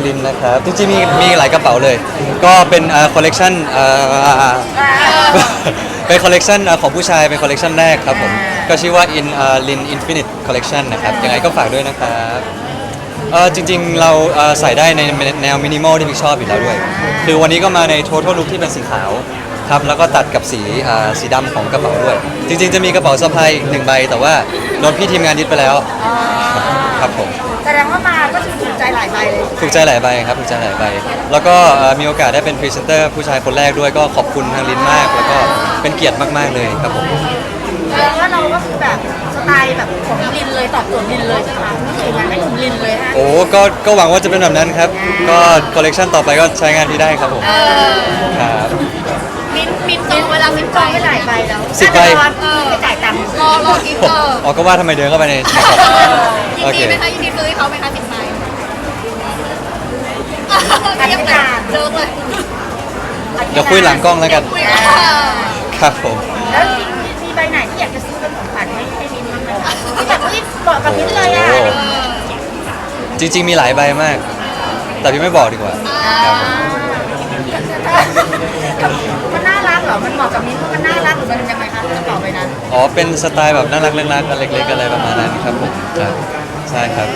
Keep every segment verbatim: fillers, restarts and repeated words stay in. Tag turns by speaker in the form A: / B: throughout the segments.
A: ลินนะครับจริงๆมีมีหลายกระเป๋าเลยก็เป็นคอลเลกชันเป็นคอลเลกชันของผู้ชายเป็นคอลเลกชันแรกครับผมก็ชื่อว่า in lin infinite collection นะครับยังไงก็ฝากด้วยนะครับเออจริงๆเราเอ่อใส่ได้ในแนวมินิมอลที่พี่ชอบอยู่แล้วด้วยคือวันนี้ก็มาใน total look ที่เป็นสีขาวครับแล้วก็ตัดกับสีอ่าสีดำของกระเป๋าด้วยจริงๆจะมีกระเป๋าสะพายอีกหนึ่งใบแต่ว่าโดนพี่ทีมงานยึดไปแล้วครับผม
B: แสดงว่ามาก็ถูกใจหลายใบเลย
A: ถูกใจหลายใบครับถูกใจหลายใบแล้วก็มีโอกาสได้เป็นพรีเซนเตอร์ผู้ชายคนแรกด้วยก็ขอบคุณทางลินมากแล้วก็เป็นเกียรติมากๆเลยครับผม
B: แสดงว่าเราก็คือแบบสไตล์แบบของลินเลยตอบโจทย์ลินเลยใช่ไหมไม่ใช่งานให้หนุ่มลินเลยฮะ
A: โอ้ก็ก็หวังว่าจะเป็นแบบนั้นครับก็คอลเลกชันต่อไปก็ใช้งานที่ได้ครับผมครับ
B: มินมินจองเวลามินจองไปหลายใบแล้ว
A: สิบใบ
B: ไม่จ่ายตังค์
C: รอรอกินเตอร์
A: อ๋อก็ว่าทำไมเดินเข้าไปใน
C: ยินดีไหมคะยินดีซื้อให้เขาไหมคะสิบใบเรียบร้อยเลิกเลย
A: เดี๋ยวคุยหลังกล้องแล้วกันครับผม
B: แล้วมีใบไหนที่อยากจะซื้อเป็นของขวัญให้ให้มินบ้างไหมคะที่แบบที่เหมาะกับมินเลยอ่ะ
A: จริงๆมีหลายใบมากแต่พี่ไม่บอกดีกว่า
B: มันน่ารักเหรอมันเหมาะกับมินเพราะมันน่ารักหรือมันยังไงคะกระเป๋าใบนั้น
A: อ๋อเป็นสไตล์แบบน่ารักเล็กๆกันเล็กๆอะไรประมาณนั้นครับผมใช่ครับ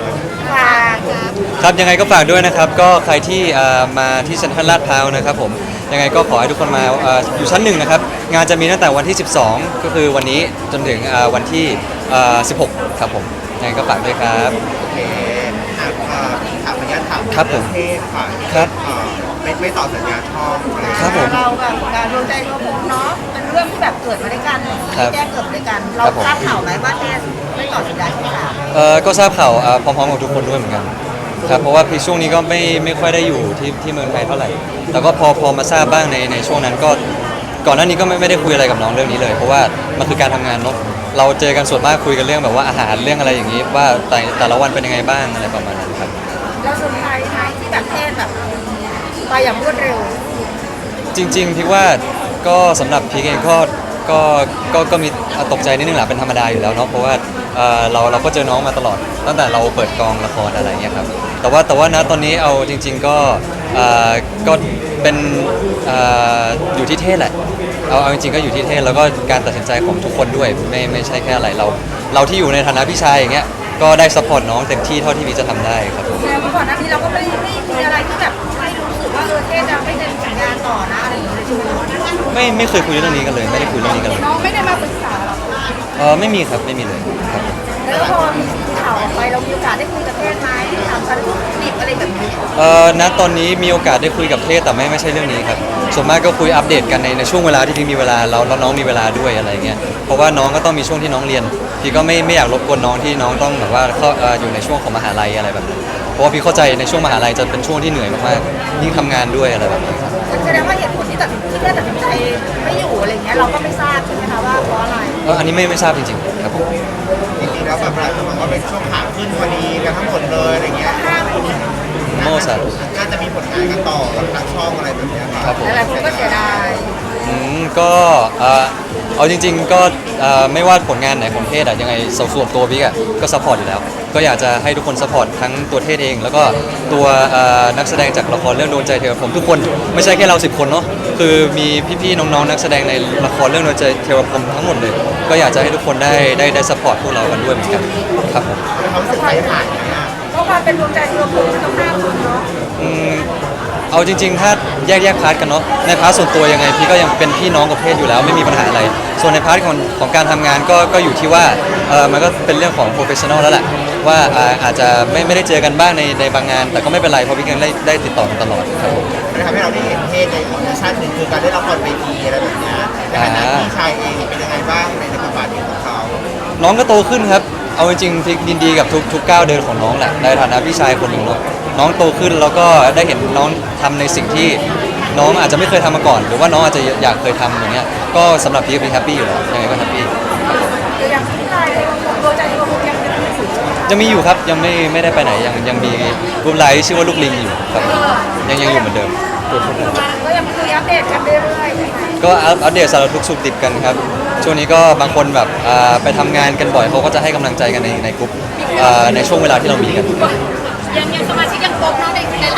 A: ครับยังไงก็ฝากด้วยนะครับก็ใครที่มาที่เซ็นทรัลลาดพร้าวนะครับผมยังไงก็ขอให้ทุกคนมาอยู่ชั้นหนึ่งนะครับงานจะมีตั้งแต่วันที่สิบสองก็คือวันนี้จนถึงวันที่สิบหกครับผมยังไงก็ฝากด้วยครับ
D: โอเคอ่ะถามพยานถาม
A: ครับผม
D: เทศค่ะ
A: ครับ
D: ไม่ไม่ต่อสัญญาช่องอะไร
A: ครับผม
B: เราแบบการดวงใจดวงผมเนาะเป็นเรื่องที่แบบเกิดมาด้วยกันแจ้งเกิดด้วยกันเราทราบข่าวไหมว่าเทศไม่ต่อสัญญาช่องสาม
A: เออก็ทราบข่าวพร้อมๆกับทุกคนด้วยเหมือนกันครับเพราะว่าพี่ช่วงนี้ก็ไม่ไม่ค่อยได้อยู่ที่ที่เมืองไทยเท่าไหร่แต่ก็พอพอมาทราบบ้างในในช่วงนั้นก็ก่อนหน้านี้ก็ไม่ไม่ได้คุยอะไรกับน้องเรื่องนี้เลยเพราะว่ามันคือการทำงานเนาะเราเจอกันส่วนมากคุยกันเรื่องแบบว่าอาหารเรื่องอะไรอย่างนี้ว่าแต่แต่ละวันเป็นยังไงบ้างอะไรประมาณนั้นครับ
B: เราเซอร์ไพรส์ไหมที่แบบเทศแบบไปอย่างรวดเร็ว
A: จริงๆพี่ว่าก็สำหรับพี่เองก็ก็ก็ก็มีตกใจนิดนึงแหละเป็นธรรมดาอยู่แล้วเนาะเพราะว่าเราเราก็เจอน้องมาตลอดตั้งแต่เราเปิดกองละครอะไรเงี้ยครับแต่ว่าแต่ว่านะตอนนี้เอาจริงๆก็ก็เป็นอยู่ที่เทศแหละเอาเอาจริงๆก็อยู่ที่เทศแล้วก็การตัดสินใจของทุกคนด้วยไม่ไม่ใช่แค่อะไรเราเราที่อยู่ในฐานะพี่ชายอย่างเงี้ยก็ได้ซัพพอร์ตน้องเต็มที่เท่าที่พี่จะทำได้ครับผม
B: แต่ก่อนหน้านี้เราก็ไม่ไม่มีอะไรที่แบบไม่รู้สึกว่าเออเทศจะไม่เซ็นสัญญาต่อนะอะไรอย่างเงี้ยใช่ไหม
A: ไม่ไม่เคยคุยเรื่องนี้กันเลยไม่ได้คุยเรื่องนี้กันเลย
B: น้องไม่ได้มาปรึกษาหรอ
A: เออไม่มีครับไม่มีเลยครับ
B: แล้วพอมีข่าวออกไปเรามีโอกาสได้คุยกับเทศไหมถามสารทุกข์ดิบอะไรแบบนี้
A: เออณตอนนี้มีโอกาสได้คุยกับเทศแต่ไม่ไม่ใช่เรื่องนี้ครับส่วนมากก็คุยอัปเดตกันในในช่วงเวลาที่พี่มีเวลาแล้วแล้วน้องมีเวลาด้วยอะไรเงี้ยเพราะว่าน้องก็ต้องมีช่วงที่น้องเรียนพี่ก็ไม่ไม่อยากรบกวนน้องที่น้องต้องแบบว่าเข้าอยู่ในช่วงของมหาลัยอะไรแบบนั้นเพราะว่าพี่เข้าใจในช่วงมหาลัยจะเป็นช่วงที่เหนื่อยมากๆยิ่งทำงานด้วยอะไรแบบนี้ครับ
B: แสดงว่าเหตุผลที่ตัดสินที่แม่ตัดสินใจไม่อยู่อะไรเงี้ยเราก็ไม่ทราบใช่ไหมคะว่าเพราะอะไร
A: เอออันนี้ไม่ไม่ทราบจริงๆครับผม
D: จริงๆแล้วแบบหลายคนมองว่าเป็นช่วงขาขึ้นพอดีกันทั้งหมดเลยอะไรเงี้ย
A: โม่สัตว์
D: น่าจะมีผลงานกันต่อกับทางช่องอะไรแบบนี้ครับ
B: หลายคนก็เสียดาย
A: อืมก็เอาจริงๆก็ไม่ว่าผลงานไหนของเทศอะยังไงส่วนตัวบิ๊กอะก็ซัพพอร์ตอยู่แล้วก็อยากจะให้ทุกคนซัพพอร์ตทั้งตัวเทศเองแล้วก็ตัวนักแสดงจากละครเรื่องโดนใจเธอผมทุกคนไม่ใช่แค่เราสิบคนเนาะคือมีพี่ๆน้องๆนักแสดงในละครเรื่องโดนใจเทวพรหมทั้งหมดเลยก็อยากจะให้ทุกคนได้ได้ได้ซัพพอร์ตพวกเรากันด้วยเหมือนกันครับผม
D: เขาสึกใจผ่าน
B: เพราะความเป็นดวงใจเทวพรหมมันต้องห้าคนเนาะ
A: เอาจริงๆถ้าแยกแยกพาร์ทกันเนาะในพาร์ทส่วนตัวยังไงพี่ก็ยังเป็นพี่น้องกับเพศอยู่แล้วไม่มีปัญหาอะไรส่วนในพาร์ทของของการทำงานก็ก็อยู่ที่ว่าเออมันก็เป็นเรื่องของโปรเฟชชั่นอลแล้วแหละว่าอาจจะไม่ไม่ได้เจอกันบ้างในในบางงานแต่ก็ไม่เป็นไรเพราะพี่ยังได้ได้ติดต่อกันตลอดครับผม
D: มันทำให้เราได้เห็นเพศในอีกชั้นหนึ่งคือการได้รับละครเวทีอะไรแบบนี้ในฐานะพี่ชายเองเป็นยังไงบ้างในบทบาทของเขา
A: น้องก็โตขึ้นครับเอาจริงๆพี่ยินดีกับทุกทุกก้าวเดินของน้องแหละในฐานะพี่ชายคนหนึ่งเนาะน้องโตขึ้นแล้วก็ได้เห็นน้องทำในสิ่งที่น้องอาจจะไม่เคยทำมาก่อนหรือว่าน้องอาจจะอยากเคยทำอย่างเงี้ยก็สำหรับพี่ก็เป็นแฮปปี้อยู่แล้วยังไงก็แฮปปี้
B: อย่างที่ไลน์ดวงใจเทวพรหมยังยังมีอยู่
A: ยังมีอยู่ครับยังไม่ไม่ได้ไปไหนยังยังมีกลุ่มไลน์ที่ชื่อว่าลูกลิงอยู่ครับยังยังอยู่เหมือนเดิม
B: ก็ยังคุยอัปเดตกันเรื่อยๆ
A: ก็อัปเดตสารทุกสุขดิบกันครับช่วงนี้ก็บางคนแบบไปทำงานกันบ่อยเขาก็จะให้กำลังใจกันในในกลุ่มในช่วงเวลาที่เรามีกัน
C: ยังยังสมาชิกยังครบเนาะในใน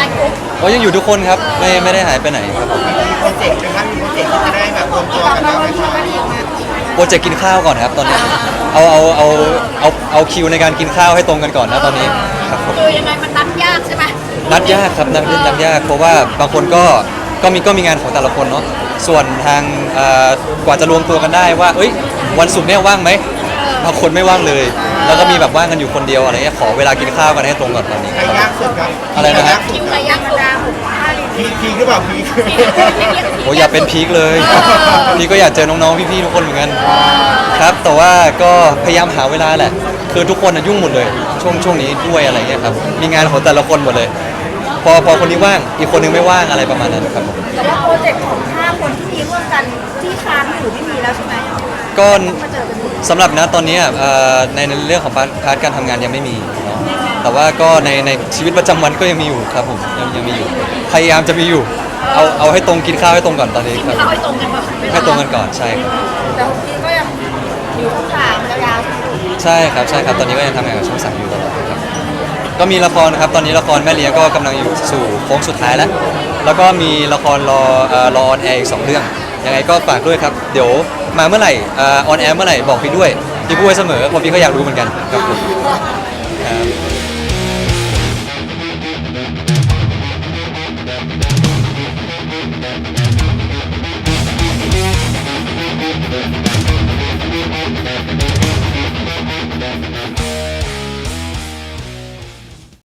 A: อ๋อยังอยู่ทุกคนครับไม่ไม่ได้หายไปไหนครับผม
D: มีโปรเจกต์นะครับมีโปรเจกต์ที่จะได้แบบรวมตัวกันแล้วไหมครับ
A: โปรเจกต์กินข้าวก่อนครับตอนนี้เอาเอาเอาเอาเอาคิวในการกินข้าวให้ตรงกันก่อนนะตอนนี้ครับผม
C: คือยังไงมันนัดยากใช่ไหม
A: นัดยากครับนัดนัดยากเพราะว่าบางคนก็ก็มีก็มีงานของแต่ละคนเนาะส่วนทางเอ่อกว่าจะรวมตัวกันได้ว่าเอ้ยวันศุกร์เนี่ยว่างไหมบางคนไม่ว่างเลย แล้วก็มีแบบว่างกันอยู่คนเดียวอะไรเงี้ยขอเวลากินข้าวกันให้ตรงก่อนตอนนี้
D: ใครยากสุดครับ
A: อะไรนะฮะ
C: คิวใครยากสุด
D: พีพีหรือเปล่าพี
A: โอ้ยอย่าเป็นพีคเลยพีคก็อยากเจอน้องๆพี่ๆทุกคนเหมือนกันครับแต่ว่าก็พยายามหาเวลาแหละ คือทุกคนน่ะยุ่งหมดเลย ช่วงช่วงนี้ด้วยอะไรเงี้ยครับมีงานของแต่ละคนหมดเลย พอพอคนนี้ว่างอีกคนนึงไม่ว่างอะไรประมาณนั้นครับผม
B: แต่ว่าโปรเจกต์ของห้าคนที่มีร่วมกันที่ค้างอยู่ที่มีแล้วใช่ไหม
A: ก็
B: มาเจอกันอีก
A: สำหรับนะตอนนี้อ่ะเอ่อในในเรื่องของพาร์ทพาร์ทการทำงานยังไม่มีเนาะแต่ว่าก็ในในชีวิตประจำวันก็ยังมีอยู่ครับผมยังยังมีอยู่ พยายามจะมีอยู่ เอาเอาให้ตรงกินข้าวให้ตรงก่อนตอนนี้ครับ
C: เข้าให้ตรงกันป่ะ
A: ให้ตรงกันก่อนใช่ครับ
B: แต่คุณพี่ก็ยังอยู่ข้างหลังยาวๆ
A: ใช่ครับใช่ครับตอนนี้ก็ยังทำงานกับช่องสามอยู่ตลอดครับก็มีละครครับตอนนี้ละครแม่เลี้ยงก็กำลังอยู่สู่โค้งสุดท้ายแล้ว แล้วก็มีละครรอเอ่อรอออนแอร์อีกสองเรื่องยังไงก็ฝากด้วยครับเดี๋ยวมาเมื่อไหร่ออนแอร์เมื่อไหร่บอกพี่ด้วยพี่พูดไว้เสมอเพราะพี่ก็อยากรู้เหมือนกันครับผมครับ